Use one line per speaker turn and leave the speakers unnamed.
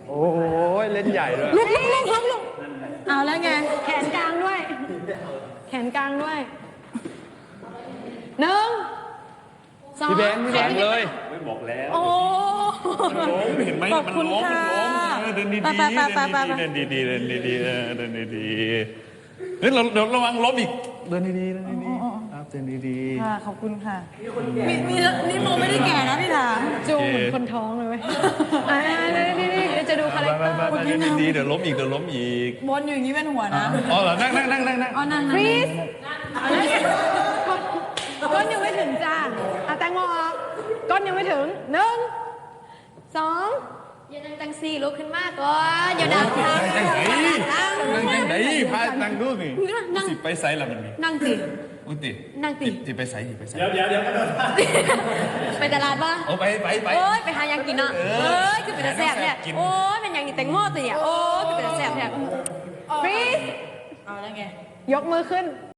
โอ้ยเล่นใหญ่ด้วย
ลุกเอาแล้วไงแขนกลางด้วย แขนกลางด้วย1 2
พี่แบงค์เลย
ไม่บอกแล้ว
โอ้
ล้มเห็นไหม
ขอบคุณค่ะ
เดินดี
ไป
ๆเดินดีๆเดินดีๆเดินดีๆเฮ้ยเราระวังล้มอีกเดินดีๆเดินดีๆครับเดินดี
ค่ะขอบคุณค่ะมีนี่โมไม่ได้แก่นะพี่ถามจูเหมือนคนท้องเลยเว้ยนี่จะดูคาแรคเตอร์
ๆเดินดีๆเดี๋ยวล้มอีกเดี๋ยวล้มอีก
บนอยู่อย่างนี้เป็นหัวนะ
อ๋อเหรอนั่ง
อ๋อนั่งฟรีสก้นยังไม่ถึงจ้าแตงโมออกก้นยังไม่ถึง1 2
อย่านั่งจังสี่ลุกขึ้นมากก่อนอย่าดังทาง
นั่งไหนพานั่งดูสิสิไปไซส์ละมันนี่
นั่งสิ
อุ้ยติ
นั่งติ
ติไปไซส์ไปไซส์
เดี๋ยว
ไปตลาดป่ะ
โอ้ไป
โอ้ยไปหายังกินเนาะคือเป็นตาแซ่บเนี่ยโอ้ยเป็นยังนี่แตงโมตัวเนี่ยโอ้ยคือเป็นตาแซ่บเนี่ยฟรีส
เอาแล้วไง
ยกมือขึ้น